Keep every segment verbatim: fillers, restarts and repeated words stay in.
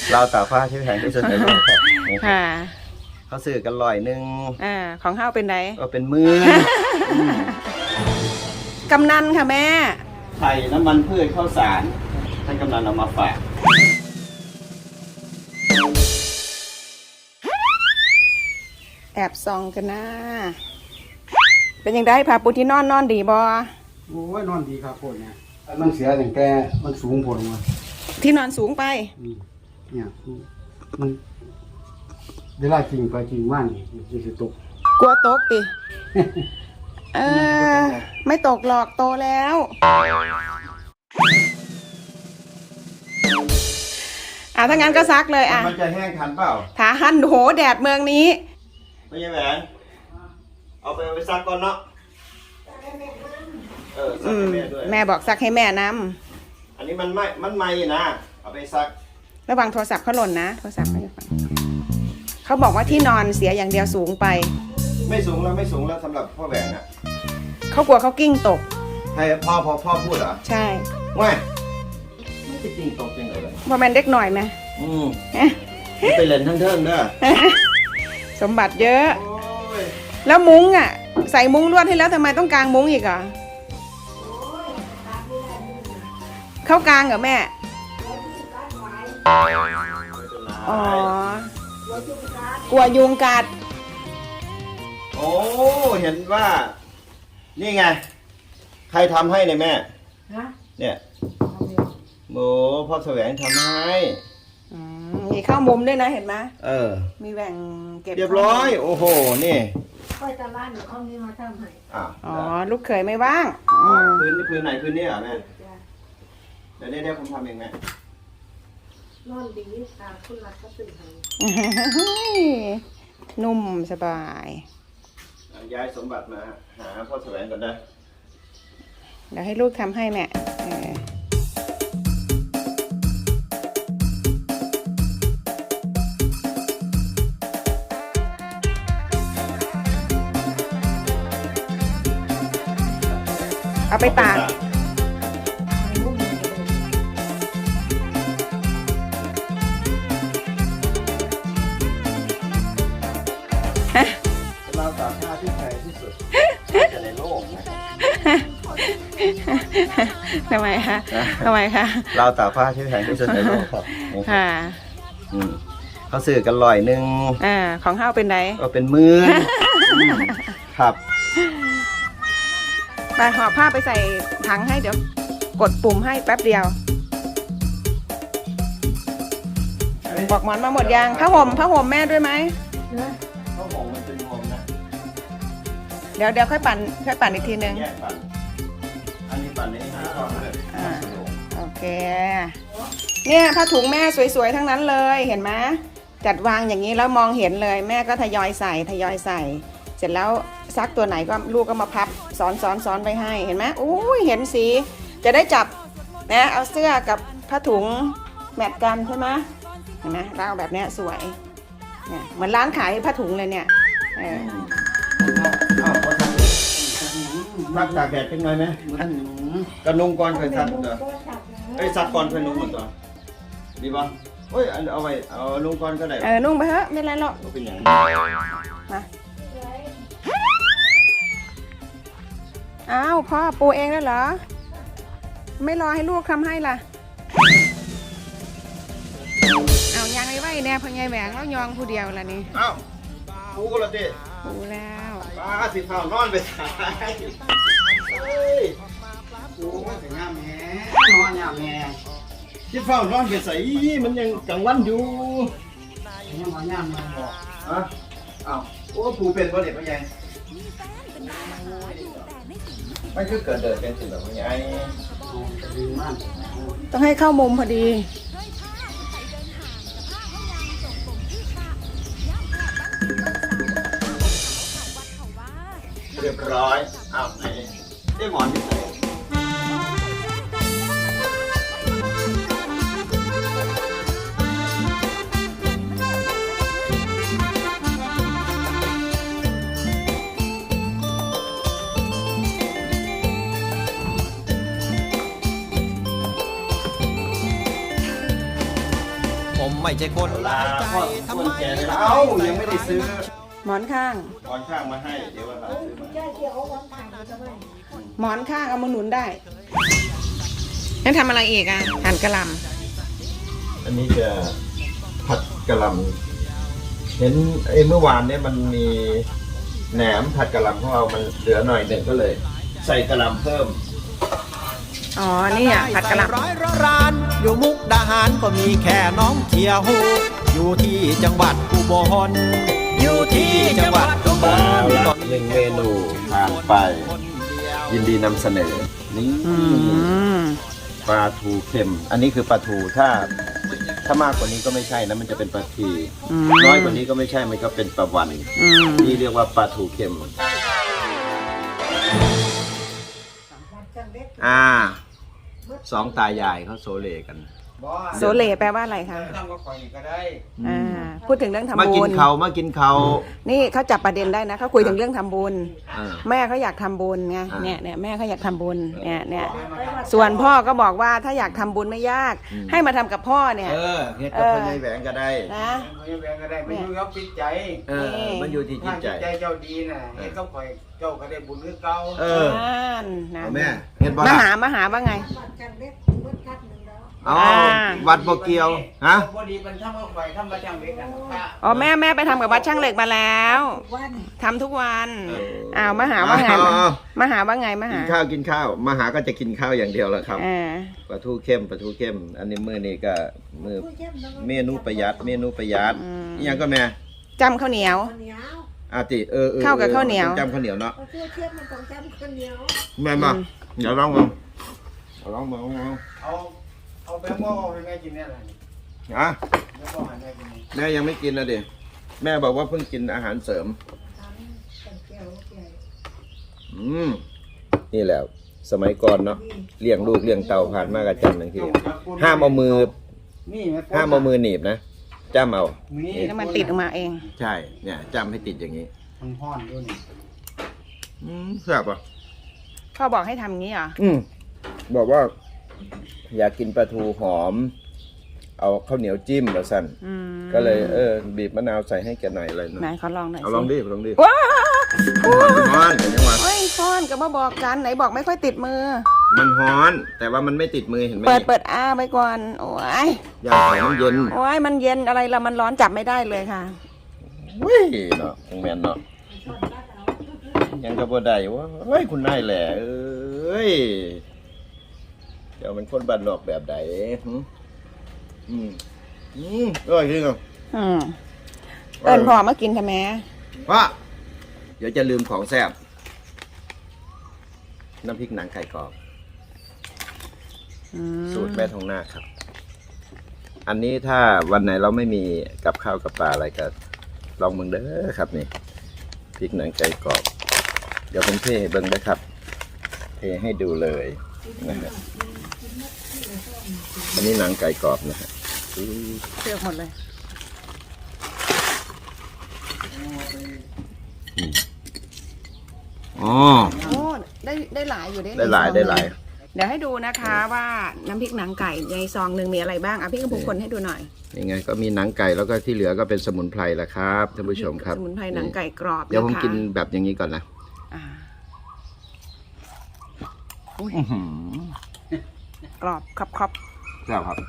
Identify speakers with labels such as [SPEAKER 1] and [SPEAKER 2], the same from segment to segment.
[SPEAKER 1] เราตากผ้าที่แพงที่สุดในโลกครับ
[SPEAKER 2] ค่ะ
[SPEAKER 1] เขาซื้อกันลอยหนึ่ง
[SPEAKER 2] อ่าของเฮาเป็นได
[SPEAKER 1] ก็เป็นหมื่น
[SPEAKER 2] กำนันค่ะแม่
[SPEAKER 1] ไข่น้ำมันพืชข้าวสารท่านกำนันเอามาฝาก
[SPEAKER 2] แอบซองกันนะเป็นยังไงพาปูที่นอนนอนดีบ่
[SPEAKER 3] โอ้ยนอนดีครับพวกเนี่ยมันเสียตั้งแต่มันสูงพอลงมา
[SPEAKER 2] ที่นอนสูงไป
[SPEAKER 3] เนี่ยมันเวลาจริงไปจริงว่านนี่จะตก
[SPEAKER 2] กลัวตกติเออไม่ตกหรอกโตแล้วอ่ะถ้างั้นก็ซักเลยอ่ะ
[SPEAKER 1] มันจะแห้งทันเปล่า
[SPEAKER 2] ถาหันโหแดดเมืองนี้
[SPEAKER 1] ไม่ใช่แหวนเอาไปเอาไปซักก่อนเนาะเออซักให้แม่ด้วย
[SPEAKER 2] แม่บอกซักให้แม่น
[SPEAKER 1] ำอันนี้มันไม่มันไม่นะเอาไปซัก
[SPEAKER 2] ระวังโทรศัพท์เขาหล่นนะโทรศัพท์เขาฟังเขาบอกว่าที่นอนเสียอย่างเดียวสูงไป
[SPEAKER 1] ไม่สูงแล้วไม่สูงแล้วสำหรับพ่อแหวนอ่ะ
[SPEAKER 2] เขากลัวเขากิ้งตก
[SPEAKER 1] ให้พ่อพ่อพ่อพูดเหรอ
[SPEAKER 2] ใช่
[SPEAKER 1] ว่าไม่จะกิ้งตกจริงเลย
[SPEAKER 2] พอมันเด็กหน่อยไหม
[SPEAKER 1] อืมไปเล่นทั้งเทิงเด้อ
[SPEAKER 2] สมบัติเยอะแล้วมุ้งอ่ะใส่มุ้งลวดให้แล้วทำไมต้องกางมุ้งอีกอ่ะเข้ากางเหรอแม่อ๋อกลัวยุงกัด
[SPEAKER 1] โอ้เห็นว่านี่ไงใครทำให้เนี่ยแม่เนี่ยโอ้พ่อแสวงทำให้
[SPEAKER 2] มีข้าวมุมด้วยนะเห็นไหม
[SPEAKER 1] เออ
[SPEAKER 2] มีแหว่งเก็บ
[SPEAKER 1] เรียบร้อยโอ้โหนี่
[SPEAKER 4] ค่อยตะล่านเอานี้มาทำให้
[SPEAKER 2] อ๋อลูกเขยไม่ว่าง
[SPEAKER 1] พื้นพื้นไหนพื้นนี่เหรอแม่เดี๋ยวเดี๋ยวผมทำเองแม่
[SPEAKER 4] นอนดีตาคุณรักก็ตื่นให้
[SPEAKER 2] นุ่มสบาย
[SPEAKER 1] ย้ายสมบัติมาหาพ่อแสวงก่อนนะ
[SPEAKER 2] เดี๋ยวให้ลูกทำให้แม่เอาไปตาก
[SPEAKER 1] เราตากผ้าที่แพงที่สุดในโลกนะ
[SPEAKER 2] ทำไมคะทำไมคะ
[SPEAKER 1] เราตากผ้าที่แพงที่สุดในโลกครับ
[SPEAKER 2] ค่ะ
[SPEAKER 1] เขาซื้อกันลอยหนึ่ง
[SPEAKER 2] อ่าของเฮาเป็นได
[SPEAKER 1] ก็เป็นหมื่นครับ
[SPEAKER 2] ไปห่อผ้าไปใส่ถังให้เดี๋ยวกดปุ่มให้แป๊บเดียวบอกหมอนมาหมดยังผ้าห่มผ้าห่มแม่ด้วยไหม
[SPEAKER 1] ผ้าห่มมันเป็นห่มนะ
[SPEAKER 2] เดี๋ยวเดี๋ยวค่อยปั่นค่อยปั่นอีกทีนึง
[SPEAKER 1] อันนี้ปั่นนี้ให้ก่อนเลย
[SPEAKER 2] โอเคเนี่ยผ้าถุงแม่สวยๆทั้งนั้นเลยเห็นไหมจัดวางอย่างนี้แล้วมองเห็นเลยแม่ก็ทยอยใส่ทยอยใส่เสร็จแล้วซักตัวไหนก็ลูกก็มาพับซ้อนซ้อนซ้อนไปให้เห็นไหมอุ้ยเห็นสีจะได้จับนะเอาเสื้อกับผ้าถุงแมทกันใช่ไหมเห็นไหมเราแบบนี้สวยเนี่ยเหมือนร้านขายผ้าถุงเลยเนี่ยเออ
[SPEAKER 1] ซักตากแดดเป็นไงไหมกระนุ่งก่อนเคยซักเหรอไอ้ซักก่อนเคยนุ่งหมดตัวดีป่ะเฮ้ยเอาไปเอานุ่งก่อนก็ได้
[SPEAKER 2] เออนุ่งไปเถอะไม่ไรหรอก
[SPEAKER 1] เป็นอย่าง
[SPEAKER 2] มาอ้าวพ่อปูเองแล้วเหรอไม่รอให้ลูกทำให้ล่ะเอายังไงไว้เนี่ยพญายแหวงแล้วยองผู้เดียวล่ะนี่
[SPEAKER 1] อ้าวปูก็ละดิ
[SPEAKER 2] ปูแล้ว
[SPEAKER 1] ป้าสิข้าวนอนไปสายเฮ้ย
[SPEAKER 3] ปูมันจะงามแง่นอนงามแง่
[SPEAKER 1] สิข้าวนอนไปใส่มันยังกลางวันอยู่
[SPEAKER 3] ยังนอนงามแง่บอก
[SPEAKER 1] อ่ะอ้าวโอ้ปูเป็นบ่เด็กพญายไม่คือเกิดเดินเป็นสิ่งแบบนี้ไอ้
[SPEAKER 2] ต้องให้เข้ามุมพอดี
[SPEAKER 1] เรียบร้อยอ้าวไหนได้หมอนที่ไหน
[SPEAKER 5] ผมไม่ใช่คนหลายใจทำไม
[SPEAKER 1] แกเลยเอ้ายังไม่ได้ซื้อ
[SPEAKER 2] หมอนข้าง
[SPEAKER 1] ตอนข้างมาให้เดี๋ยววันหลังซื้อมา
[SPEAKER 4] แค่เกี่ยวเอาวันผ่านจะไม่
[SPEAKER 2] หมอนข้างเอามาหนุนได้นั่นทำอะไรอีกอ่ะหั่นกระหล
[SPEAKER 1] อันนี้จะผัดกะหล่ำเห็นไอ้เมื่อวานเนี่ยมันมีแหนมผัดกะหล่ำของเรามันเหลือหน่อยหนึ่งก็เลย ใส่กะหล่ำเพิ่ม
[SPEAKER 2] ำอ๋อนี่อ่ะผัดกระหล
[SPEAKER 5] ร้อยร้านอยู่มุกดาหารก็มีแค่น้องเทียหูอยู่ที่จังหวัดอุบลอยู่ที่จังหวัดอุบล
[SPEAKER 1] หนึ่งเมนูผ่านไป ยินดีนำเสนอ นี่
[SPEAKER 2] ำอืม
[SPEAKER 1] ปลาทูเค็ม อันนี้คือปลาทูถ้า ถ้ามากกว่านี้ก็ไม่ใช่นะมันจะเป็นปลาที
[SPEAKER 2] อืม
[SPEAKER 1] น้อยกว่านี้ก็ไม่ใช่มันก็เป็นปลาวัน
[SPEAKER 2] อืม
[SPEAKER 1] นี่เรียกว่าปลาทูเค็ม อ่าสองตายายเขาโซเลกัน
[SPEAKER 2] โซเลแปลว่าอะไรคะ
[SPEAKER 3] ทำก็คอยก็ได้
[SPEAKER 2] อ่าพูดถึงเรื่องทำ
[SPEAKER 1] มากิ
[SPEAKER 2] บุ
[SPEAKER 1] น
[SPEAKER 2] ญ
[SPEAKER 1] เขามากินเขา
[SPEAKER 2] นี่เขาจับประเด็นได้นะเขาคุยถึงเรื่องทำบุญ
[SPEAKER 1] อ่า
[SPEAKER 2] แม่เขาอยากทำบุญไง
[SPEAKER 1] อ่า
[SPEAKER 2] เนี่ยเนี่ยแม่เขาอยากทำบุญเนี่ยเนี่ยส่วนพ่อก็บอกว่าถ้าอยากทำบุญไม่ยาก
[SPEAKER 1] อืม
[SPEAKER 2] ให้มาทำกับพ่อเนี่ย
[SPEAKER 1] เออเฮ็ดกับพ่อใหญ่แหวงก็ได้
[SPEAKER 2] นะ
[SPEAKER 3] ไม่แบ่งก็ได้ไม่อยู่กับจิตใจ
[SPEAKER 1] เออ มันอยู่ที่จิ
[SPEAKER 3] ถ้า
[SPEAKER 1] ตใจ
[SPEAKER 3] จิตใจเจ้าดีน่ะเฮ็ดก็คอยเจ้าก็ได้บุญคือเก่า
[SPEAKER 1] เออ
[SPEAKER 2] นั่นนะ
[SPEAKER 1] เอาแม่เฮ็ดบ่
[SPEAKER 2] มา
[SPEAKER 1] ล่ะ
[SPEAKER 2] หามาหาว่าไง
[SPEAKER 4] บัตรกันเล็กเมื่อคัดหนึ่งแล้ว
[SPEAKER 1] เอา
[SPEAKER 2] อ่า
[SPEAKER 1] วัดบ่เกี่ยว ฮะ
[SPEAKER 3] พอดีมันทำก็คอยทำมาจังเล็กกัน
[SPEAKER 2] อ๋อแม่แม่ไปทำกับวัดช่างเหล็กมาแล้ว
[SPEAKER 4] วัน
[SPEAKER 2] ทำทุกวัน
[SPEAKER 1] เออ
[SPEAKER 2] อ้าวมาหาว่าไง
[SPEAKER 1] เอาเอา
[SPEAKER 2] มาหาว่าไงมา
[SPEAKER 1] กิ
[SPEAKER 2] หาน
[SPEAKER 1] ข้าวกินข้าว มาหาก็จะกินข้าวอย่างเดียวแหละครับ
[SPEAKER 2] อ่า
[SPEAKER 1] ปลาทูเข้มปลาทูเข้ม อันนี้มื้อนี้ก็มื้อเมนูประหยัด เมนูประหยัดอีหยังก็แม่
[SPEAKER 2] จำข้าวเหนียว
[SPEAKER 4] ข้าวเหนียว
[SPEAKER 1] อาติเออเออ
[SPEAKER 2] ข้าวกับข้าวเหนียว
[SPEAKER 1] ต้องจำข้าวเหนียวเนาะ
[SPEAKER 4] เพราะเชื่อเทียบมันต้องจำข้าวเหนียว
[SPEAKER 1] แม่มาเดี๋ยวลองมาเอาลองมาลองมา
[SPEAKER 3] เอาเอาแบงค์โม่ให้แม่กินเนี่ยอะไร
[SPEAKER 1] อ่ะ
[SPEAKER 3] แบงค์โม่ให้แม่กิน
[SPEAKER 1] แม่ยังไม่กินนะดิแม่บอกว่าเพิ่งกินอาหารเสริม
[SPEAKER 4] ทำเป็นแก้วใหญ่
[SPEAKER 1] อืมนี่แหละสมัยก่อนเนาะเลี้ยงลูกเลี้ยงเต่าผ่านมากระจันทังทีห้ามเอามือ
[SPEAKER 3] นี่แม่
[SPEAKER 1] ห้ามเอามือหนีบนะจ้ำเอา
[SPEAKER 3] นี่
[SPEAKER 2] แล้วมันติดออกมาเอง
[SPEAKER 1] ใช่เนี่ยจ้ำให้ติดอย่างนี้
[SPEAKER 3] มันห้อนด้วยนี่
[SPEAKER 1] อืมแซ่บอ่ะ
[SPEAKER 2] พ่อบอกให้ทำงี้เหรอ
[SPEAKER 1] อืมบอกว่า อยากกินปลาทูหอม เอาข้าวเหนียวจิ้มแล้วสั่น
[SPEAKER 2] อืม
[SPEAKER 1] ก็เลยเออบีบมะนาวใส่ให้แกหน่อยอะไรหน่
[SPEAKER 2] ไหน
[SPEAKER 1] อย
[SPEAKER 2] ขอลองหน่อย
[SPEAKER 1] เอาลองดิลองดิ
[SPEAKER 2] ว้า
[SPEAKER 1] มันฮ้อนเห็นไหม
[SPEAKER 2] เฮ้ยฟ้อนก็มาบอกกันไหนบอกไม่ค่อยติดมือ
[SPEAKER 1] มันฮ้อน แต่ว่ามันไม่ติดมือเห็นไหม
[SPEAKER 2] เปิดเปิดอ้าไปก่อนโอ้ย
[SPEAKER 1] อย่างของมันเย็น
[SPEAKER 2] โอ้ยมันเย็นอะไรละมันร้อนจับไม่ได้เลยค่ะ
[SPEAKER 1] เว้ยเนาะยังแมนเนาะยังกระโบได้ว่าเฮ้ยคุณนายแหละเอ้ยเดี๋ยวมันคนบ้านนอกแบบไหนหืมอืมอืมอร่อยจริงอ่ะ
[SPEAKER 2] อืมเอิญพ่อมากินทำไม
[SPEAKER 1] พ่อเดี๋ยวจะลืมของแซ่บน้ำพริกหนังไก่กรอบ
[SPEAKER 2] อืม
[SPEAKER 1] สูตรแม่ทองนาคครับ อันนี้ถ้าวันไหนเราไม่มีกับข้าวกับปลาอะไรก็ลองเบิ่งเด้อครับนี่พริกหนังไก่กรอบ เดี๋ยวผมเทให้เบิ่งนะครับ เทให้ดูเลยนะฮะอันนี้หนังไก่กรอบนะฮะอื้อ
[SPEAKER 2] เลือกหมดเลย
[SPEAKER 1] อ๋อ
[SPEAKER 2] โอ้ได้ได้หลายอยู่ได้
[SPEAKER 1] ได้หลายได้หลาย
[SPEAKER 2] เดี๋ยวให้ดูนะคะว่าน้ำพริกหนังไก่ในซองหนึ่งมีอะไรบ้างอ่ะพี่กำพูคนให้ดูหน่อย
[SPEAKER 1] ยังไงก็มีหนังไก่แล้วก็ที่เหลือก็เป็นสมุนไพรละครับท่านผู้ชมครับ
[SPEAKER 2] สมุนไพรหนังไก่กรอบ
[SPEAKER 1] เดี๋ยวผม
[SPEAKER 2] ะคะ
[SPEAKER 1] กินแบบอย่างนี้ก่อนนะ
[SPEAKER 2] อ่าอุ๊ย
[SPEAKER 1] อื้อหือก
[SPEAKER 2] รอบครับครับ
[SPEAKER 1] แซ่บครับ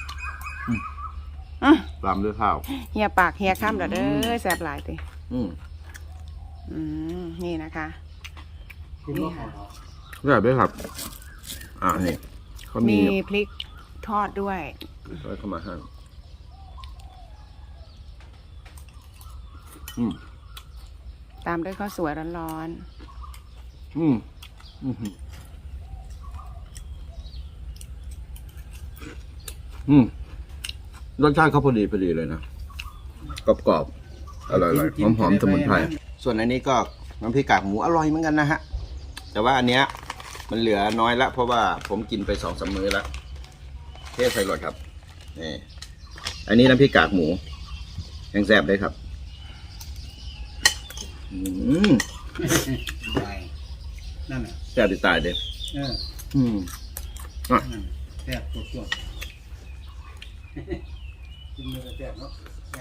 [SPEAKER 2] อื้อ
[SPEAKER 1] ตามด้วยข้าว
[SPEAKER 2] เฮียปากเฮียข้ามเด้อเด้อแสบหลายติ
[SPEAKER 1] อืม
[SPEAKER 2] อืมนี่นะคะ
[SPEAKER 3] กินบ่หอม
[SPEAKER 1] แซ่บด้วยครับ อ่านี่เขามี
[SPEAKER 2] มีพริกทอดด้วย
[SPEAKER 1] ไว้เข้ามาให้อืม
[SPEAKER 2] ตามด้วยข้าวสวยร้อน
[SPEAKER 1] อืมอืมอืมรสชาติเขาพอดีพอดีเลยนะกรอบกรอบๆอร่อยๆหอมหอมๆสมุนไพรส่วนอันนี้ก็น้ำพริกกากหมูอร่อยเหมือนกันนะฮะ แต่ว่าอันเนี้ยมันเหลือน้อยละเพราะว่าผมกินไปสองสามมื้อแล้วเทใส่รสครับนี่อันนี้น้ำพริกกากหมูยังแซ่บเลยครับ อืม
[SPEAKER 3] ได้นั่นน่ะ
[SPEAKER 1] แซ่บติดตายเด้
[SPEAKER 3] เออ
[SPEAKER 1] อืมอ่ะ
[SPEAKER 3] นั่นแซ่บสดกินเนื้อแซ่บเนาะแม่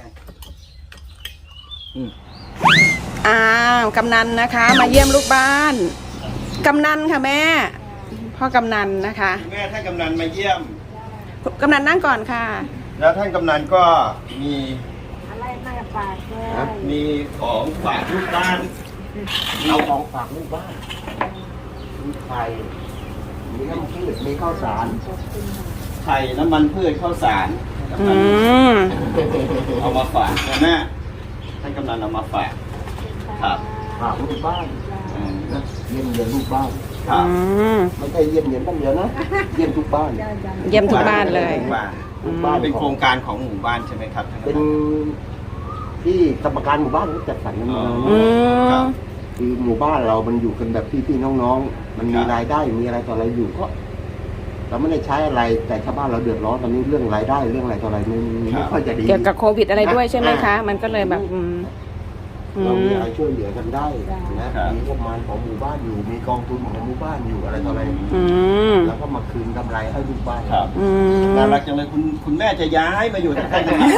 [SPEAKER 2] อ้าวกำนันนะคะ มาเยี่ยมลูกบ้านกำนันค่ะแม่พ่อกำนันนะคะ
[SPEAKER 1] แม่ท่านกำนันมาเยี่ยม
[SPEAKER 2] กำนันนั่งก่อนค่ะ
[SPEAKER 1] แล้วท่านกำนันก็มี
[SPEAKER 4] อะไรมาฝากเลย
[SPEAKER 1] มีของฝากลูกบ้าน
[SPEAKER 3] เอาของฝากลูกบ้านมีไข่มีน้ำพืชมีข้าวสาร
[SPEAKER 1] ไข่น้ำมันพืชข้าวสาร
[SPEAKER 2] อืม
[SPEAKER 1] เอามาฝากนะแม่ท่านกำนันเอามาฝากครับ
[SPEAKER 3] ฝากลูกบ้าน
[SPEAKER 1] อืม
[SPEAKER 3] นะเยี่ยมเยียนลูกบ้าน
[SPEAKER 1] ครั
[SPEAKER 2] อื
[SPEAKER 1] บ
[SPEAKER 2] ม
[SPEAKER 3] ไม่ใช่เยี่ยมเยียนบ้านเดียวนะเยี่ยมทุกบ้าน
[SPEAKER 2] เยี่ยมทุกบ้านเลย
[SPEAKER 1] ทุกบ้าน
[SPEAKER 3] ทุกบ้าน
[SPEAKER 1] เป็นโครงการของหมู่บ้านใช่ไหมครับท่าน
[SPEAKER 3] เป็น
[SPEAKER 1] กำนัน
[SPEAKER 3] ที่กรรมการหมู่บ้านเขาจัดสรรกันมา
[SPEAKER 2] อืม
[SPEAKER 1] ครับ
[SPEAKER 3] คือหมู่บ้านเรามันอยู่กันแบบพี่ๆน้องๆ มันมี
[SPEAKER 1] ครับ
[SPEAKER 3] รายได้มีอะไรต่ออะไรอยู่ก็เราไม่ได้ใช้อะไรแต่ชาวบ้านเราเดือดร้อนตอนนี้เรื่องรายได้เรื่องอะไรต่ออะไรไม่ไม่ค่อยจะดี
[SPEAKER 2] เกี่ยวกับโควิดอะไรด้วยใช่ไหมคะ มันก็เลยแบบอืมอื
[SPEAKER 3] เรามี
[SPEAKER 2] ม
[SPEAKER 3] อะไรช่วยเหลือกันได้นะมีงบประมาณของหมู่บ้านอยู่มีกองทุนของหมู่บ้านอยู่อะไรต่ออะไร
[SPEAKER 2] อืม
[SPEAKER 3] แล้วก็มาคืนกำไรให้ลูกบ้าน
[SPEAKER 1] ครับ
[SPEAKER 2] อืม
[SPEAKER 1] น่ารักจังเลยคุณคุณแม่จะย้ายมาอยู่ที่ท่านกำนัน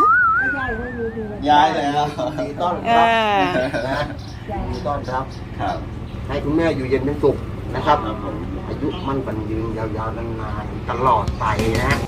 [SPEAKER 1] ย้ายแล้ว
[SPEAKER 3] ยินดีต้อน
[SPEAKER 2] เอ
[SPEAKER 3] รับ
[SPEAKER 2] อ
[SPEAKER 3] นะยินดีต้อนรับ
[SPEAKER 1] ครับ
[SPEAKER 3] ให้คุณแม่อยู่เย็นเป็นสุขนะครับ
[SPEAKER 1] ครับผม
[SPEAKER 3] อายุมั่นขวัญยืนยาวๆนานๆตลอดไปนะ